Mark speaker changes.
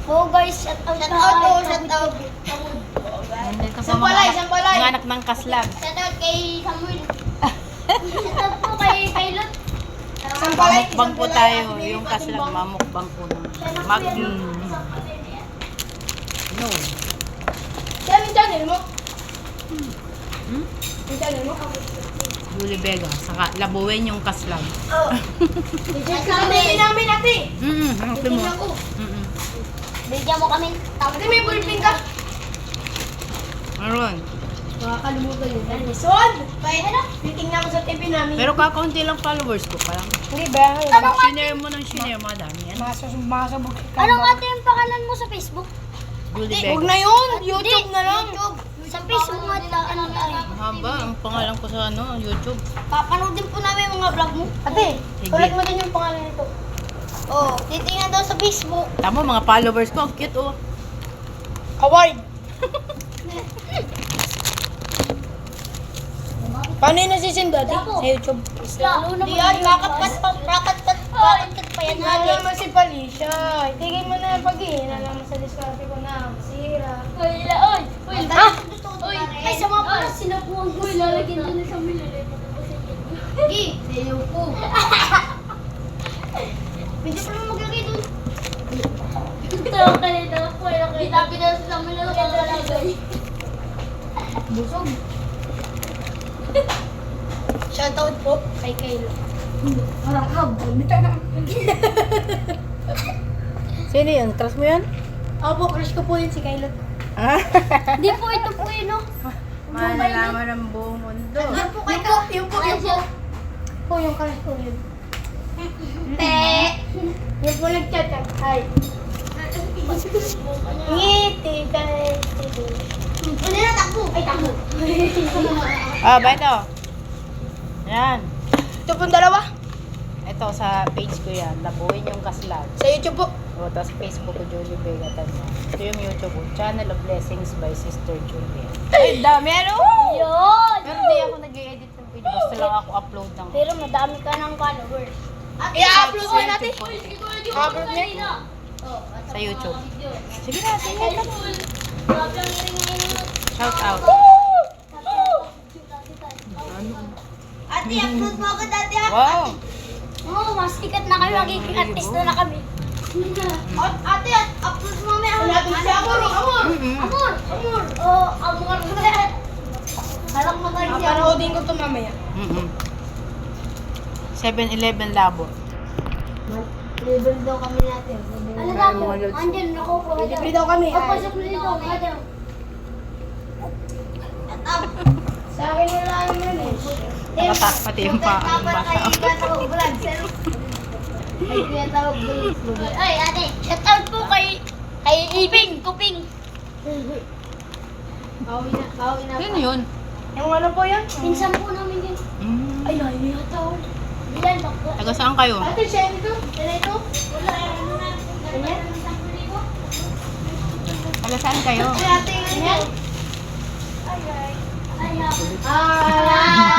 Speaker 1: Oh guys, shout out.
Speaker 2: Shout out, shout out.
Speaker 3: Nandito po
Speaker 2: Sampalay, sampalay.
Speaker 3: mga anak ng kaslag.
Speaker 1: Shout out kay Samuel. Shout out po kay Lot.
Speaker 2: Sampalay.
Speaker 3: Mamukbang po tayo. Yung kaslag, mamukbang po. No.
Speaker 2: Saan yung channel mo?
Speaker 3: Hmm?
Speaker 2: Yung channel mo?
Speaker 3: Julie Vega. Saka labuin yung kaslag.
Speaker 2: Oo. Sabi namin ate.
Speaker 3: Hanapin mo.
Speaker 2: Tingnan ko.
Speaker 1: Bigyan mo kami.
Speaker 2: Ate, may ballpen ka?
Speaker 3: Meron.
Speaker 2: Makakalimutan yun. Son! Titingnan ko sa TV namin.
Speaker 3: Pero kakaunti lang followers ko pa lang.
Speaker 2: Hindi ba?
Speaker 3: Share mo ng share, madami yan.
Speaker 2: Masabog ka.
Speaker 1: Anong ate yung pangalan mo sa Facebook?
Speaker 3: Julie
Speaker 2: Huwag
Speaker 3: Vega.
Speaker 2: na yun. YouTube na lang.
Speaker 1: Sa Facebook nga ano tayo.
Speaker 3: Mahaba ang pangalan ko sa YouTube.
Speaker 1: Papanoodin po namin yung mga vlog mo.
Speaker 2: Ate,
Speaker 3: Sige.
Speaker 2: ulit mo din yung pangalan nito.
Speaker 1: Oh, titingnan daw sa Facebook.
Speaker 3: Tama, mga followers ko. Ang cute oh.
Speaker 2: Award. Paano yung nasisim dati? Sa YouTube.
Speaker 1: Lalo naman.
Speaker 2: Di yan,
Speaker 1: Rakat pa yan
Speaker 2: Ano
Speaker 1: natin.
Speaker 2: naman si Felicia? Itigil mo na yung pag-ihin. Alam mo sa diskarte ko na. Masira.
Speaker 1: Uy, Uy, ay sa mga pala sinabuhan ko. Lalagyan doon sa mililay.
Speaker 2: Gi, sayo po.
Speaker 1: Pwede pa naman maglagay doon. Ito kanina po. Itabi na sa mililay.
Speaker 2: Busog. Shoutout po kay Kayla. Parang habon.
Speaker 3: Sino yun? Trust mo yun?
Speaker 2: Opo, crush ko po yun si Kayla.
Speaker 1: Hindi po, ito po yun, no?
Speaker 3: Malalaman ng buong mundo.
Speaker 2: Yung po, yung po. Po, yung crush ko yun. Yung po nag-chat ka. Hi. Ngiti ka.
Speaker 1: Ano na, takbo? Ay, takbo.
Speaker 3: Ah, ba ito? Yan.
Speaker 2: Ito pong dalawa.
Speaker 3: Ito sa page ko yan. Labuin yung kaslag.
Speaker 2: Sa YouTube po.
Speaker 3: O, tapos Facebook ko, Julie Vega. Tanya. Ito yung YouTube ko. Channel of Blessings by Sister Julie. Ay, dami ano?
Speaker 1: Yun!
Speaker 3: Pero di ako nag-edit ng video. Basta lang ako upload ng...
Speaker 1: Pero madami ka ng followers.
Speaker 2: I-upload ko natin.
Speaker 3: po.
Speaker 2: Upload niya.
Speaker 3: Sa YouTube. Sige na, sige na.
Speaker 1: Ano?
Speaker 3: Shout out.
Speaker 2: Ate, upload mo ako dati ha.
Speaker 3: Wow!
Speaker 1: Oo, mas sikat na kami. Magiging artista na kami.
Speaker 2: Ate, upload mo may ako. Si Amor, Amor.
Speaker 1: Amor! Amor! Oh, amor! Alam mo tayo siya.
Speaker 2: Panoodin ko ito mamaya.
Speaker 3: 7-Eleven labo.
Speaker 2: Libre daw kami natin.
Speaker 1: Ano lang mo? Andyan, nakupo ka
Speaker 2: Libre daw kami.
Speaker 1: Papasok mo dito. Andyan.
Speaker 2: Sa akin wala naman eh.
Speaker 3: Nakatak pati yung paa ng bata.
Speaker 1: Ay, ate, shout out po kay Iping, Kuping.
Speaker 2: Bawi na.
Speaker 3: Sino yun?
Speaker 2: Yung ano po yan?
Speaker 1: Pinsan po namin din.
Speaker 2: Ay, layo yata ako.
Speaker 1: Bilan, bakla.
Speaker 3: Taga saan kayo?
Speaker 2: Ate, siya ito? Siya ito?
Speaker 1: Wala, ano na. Ganyan?
Speaker 3: Taga saan kayo?
Speaker 2: Ay, ate, yan.
Speaker 1: Ay,
Speaker 2: Ah,